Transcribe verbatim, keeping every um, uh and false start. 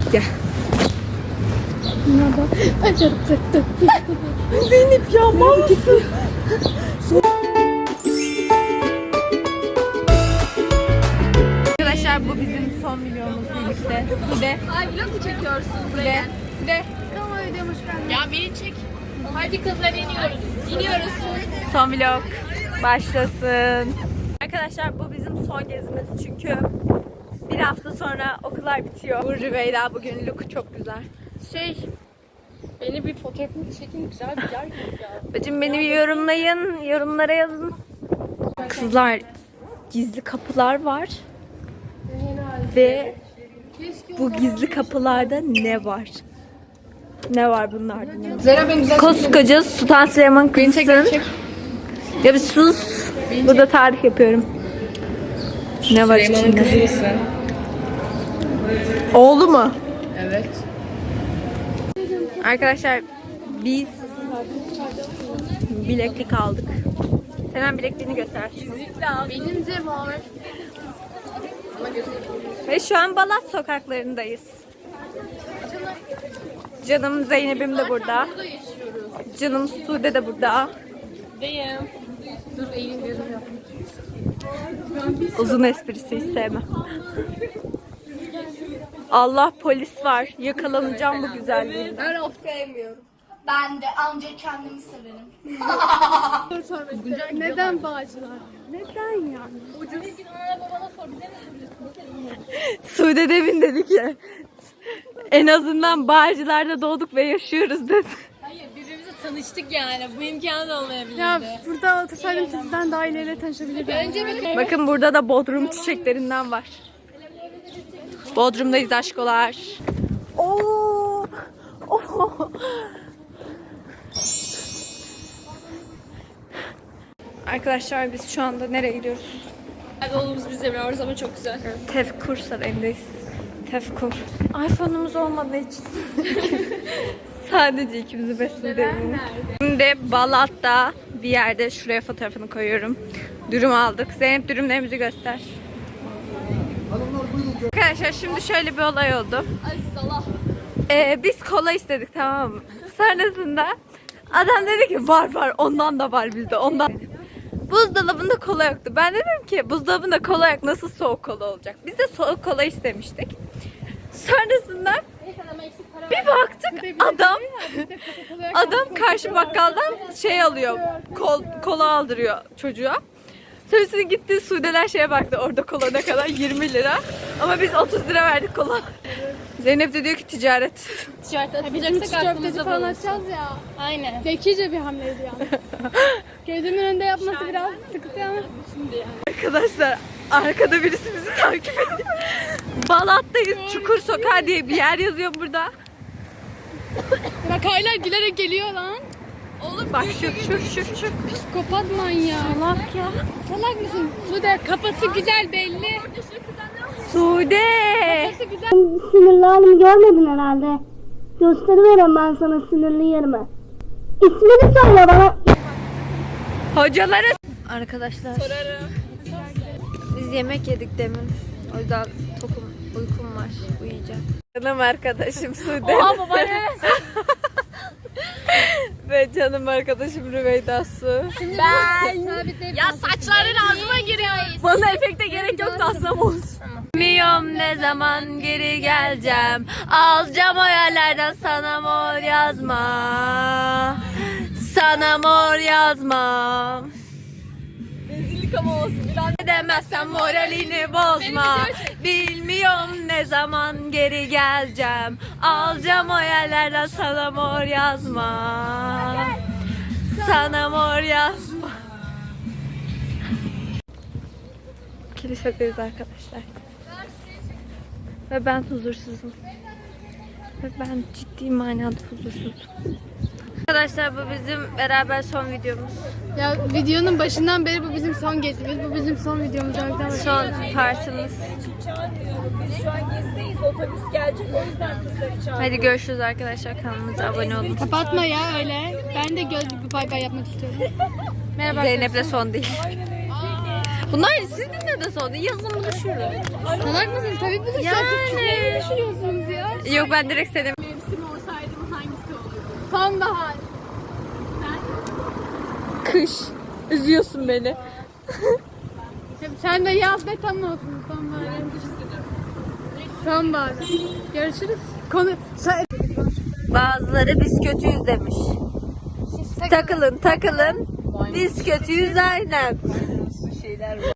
Gel. Zeynep ya mal mısın? Arkadaşlar bu bizim son videomuz birlikte. Sude. Ay vlog mu çekiyorsun? Sude. Sude. Kanalıma videom hoş geldin. Ya beni çek. Hadi kızlar iniyoruz. İniyoruz. Son vlog başlasın. Arkadaşlar bu bizim son gezimiz çünkü bir hafta sonra okullar bitiyor. Bu Rüveyda bugün look çok güzel. Şey, beni bir fotoğrafını çekin, güzel bir yer gibi ya. Bacım beni bir yorumlayın, yorumlara yazın. Kızlar gizli kapılar var ve bu gizli kapılarda ne var? Ne var bunlarda? Zehra ben güzel Koskoca Sultan Süleyman kızsın. Ya bir sus. Burada tarih yapıyorum. Ne var içinde? kızı mısın? Oğlu mu? Evet. Arkadaşlar biz bileklik aldık. Hemen bilekliğini göster. Benim de var. Ve şu an Balat sokaklarındayız. Canım Zeynep'im de burada. Burada yaşıyoruz. Canım Sude de burada. Deyim. Dur eğilin gözüm yap. Uzun esprisi hiç sevmem. Allah polis var. Yakalanacağım bu güzelliğinden. Ben of sevmiyorum. Ben de ancak kendimi severim. Neden Bağcılar? Neden yani? Ucuz. Ana babana sor, bize ne Sude demin dedi ki en azından Bağcılar'da doğduk ve yaşıyoruz dedi. Hayır, birbirimizle tanıştık yani. Bu imkanı da olmayabilirdi. Ya burada otursaydım sizden daha ileriyle tanışabilirdim. Önce bir Bakın burada da Bodrum çiçeklerinden var. Bodrum'dayız aşkolar. Oo! Oo! Arkadaşlar biz şu anda nereye gidiyoruz? yolumuz bizle beraber ama çok güzel. Tefkur Sarayı'ndayız. Tefkur. iPhone'umuz olmadığı için sadece ikimizi besledim. Şimdi Balat'ta bir yerde şuraya fotoğrafını koyuyorum. Dürüm aldık. Zeynep dürümlerimizi göster. Arkadaşlar şimdi şöyle bir olay oldu. Ee, biz kola istedik, tamam mı? Sonrasında adam dedi ki var var ondan da var bizde ondan. Buzdolabında kola yoktu. Ben dedim ki buzdolabında kola yok, nasıl soğuk kola olacak? Biz de soğuk kola istemiştik. Sonrasında bir baktık adam adam karşı bakkaldan şey alıyor, kol, kola aldırıyor çocuğa. Sonrasında gitti Sudeler şeye baktı, orada kola ne kadar, yirmi lira. Ama biz otuz lira verdik kola. Zeynep de diyor ki ticaret. Ticaret Bizim atacaksak köfteci aklımızda falan bulunsun. açacağız ya. Aynen. Zekice bir hamleydi yani. Gözümün önünde yapması biraz sıkıntı ama. Arkadaşlar arkada birisi bizi takip ediyor. Balat'tayız. Çukur Sokağı diye bir yer yazıyor burada. Bak hala gülerek geliyor lan. Oğlum bak şu şu şu şu. Psikopat manyağı. Salak ya. Salak mısın? Sude kafası güzel belli. Sude. Kafası güzel. Sinirli halimi görmedin herhalde. Gösteriverem ben sana sinirli yerimi. İsmini söyle bana. Hocaları. Arkadaşlar. Sorarım. Biz yemek yedik demin. O yüzden tokum, uykum var. Uyuyacağım. Canım arkadaşım Sude. Oha baba ne? Ve canım arkadaşım Rüveyda Su. Ben. Ya Saçların ağzıma giriyor. Bana efekte gerek yok da aslam olsun. Bilmiyorum ne zaman geri geleceğim. Alacağım o yerlerden sana mor yazma. Sana mor yazma. Rezillik ama olsun. Ne demezsen moralini bozma. Bilmiyorum ne zaman geri geleceğim. Alacağım o yerlerden sana mor yazma. Sana mor yazma. Kilisedeyiz arkadaşlar. Ve ben huzursuzum. Ve ben ciddi manada huzursuzum. Arkadaşlar bu bizim beraber son videomuz. Ya videonun başından beri bu bizim son gezimiz. Bu bizim son videomuz. Son partimiz. Biz şu an gezdeyiz. Otobüs gelecek. O yüzden kızları çağırdık. Hadi görüşürüz arkadaşlar. Kanalımıza abone olun. Kapatma ya öyle. Ben de göz bir bay bay yapmak istiyorum. Merhaba. Zeynep'le son değil. Bunlar sizinle de sordu. Yazın buluşuruz. Salak mısın? Tabii buluşacağız. Yani. Ne düşünüyorsunuz ya? Yok ben direkt senin. Mevsim olsaydım hangisi olurdu? Sonbahar. Kış. Üzüyorsun beni. Sen de yaz ve tam olsun sonbahar. Sonbahar. Görüşürüz. Konu... Sen... Bazıları biz kötüyüz demiş. Takılın takılın. Biz kötüyüz aynen. şeyler var.